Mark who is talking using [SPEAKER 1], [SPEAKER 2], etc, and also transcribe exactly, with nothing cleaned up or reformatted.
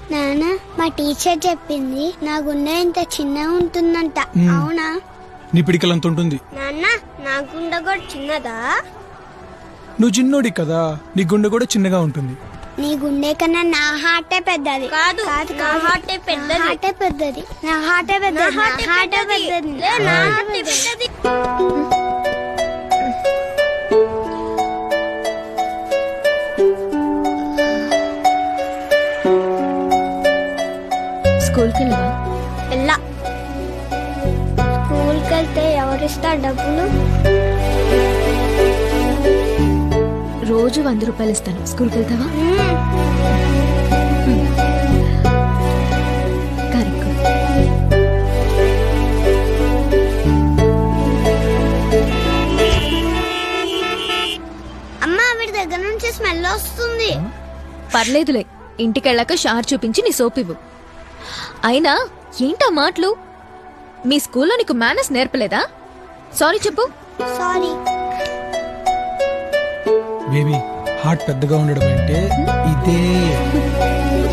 [SPEAKER 1] నాన్న మా టీచర్ చెప్పింది నా గుండె ఇంత చిన్నగా ఉంటుందంట.
[SPEAKER 2] మ్మ్.
[SPEAKER 1] అవునా?
[SPEAKER 2] నీ పిడికలంత ఉంటుంది.
[SPEAKER 1] నాన్న నా గుండె కూడా చిన్నదా?
[SPEAKER 2] నువ్వు చిన్నోడి కదా, నీ గుండె కూడా చిన్నగా ఉంటుంది.
[SPEAKER 1] నీ గుండె కన్నా నా హార్టే పెద్దది.
[SPEAKER 3] కాదు, నా హార్టే పెద్దది.
[SPEAKER 1] హార్టే పెద్దది. నా హార్టే పెద్దది. నా హార్టే పెద్దది.
[SPEAKER 3] లే, నా హార్టే పెద్దది.
[SPEAKER 4] స్కూల్కి వెళ్ళవా?
[SPEAKER 3] ఎల్లా
[SPEAKER 1] స్కూల్కి వెళ్తే ఎవరిస్తారు డబ్బులు?
[SPEAKER 4] రోజు వంద రూపాయలు ఇస్తాను. స్కూల్కి వెళ్తావా? కరెక్ట్.
[SPEAKER 1] అమ్మా వీడి దగ్గర నుంచి స్మెల్ వస్తుంది.
[SPEAKER 4] పర్లేదులే, ఇంటికెళ్ళాక షార్ చూపించి నీ సోప్ ఇవ్వు. అయినా ఏంటా మాటలు? మీ స్కూల్లో నీకు మేనర్స్ నేర్పలేదా? సారీ చెప్పు.
[SPEAKER 1] సారీ.
[SPEAKER 2] బేబీ హార్ట్ పెద్దగా ఉండడం అంటే ఇదే.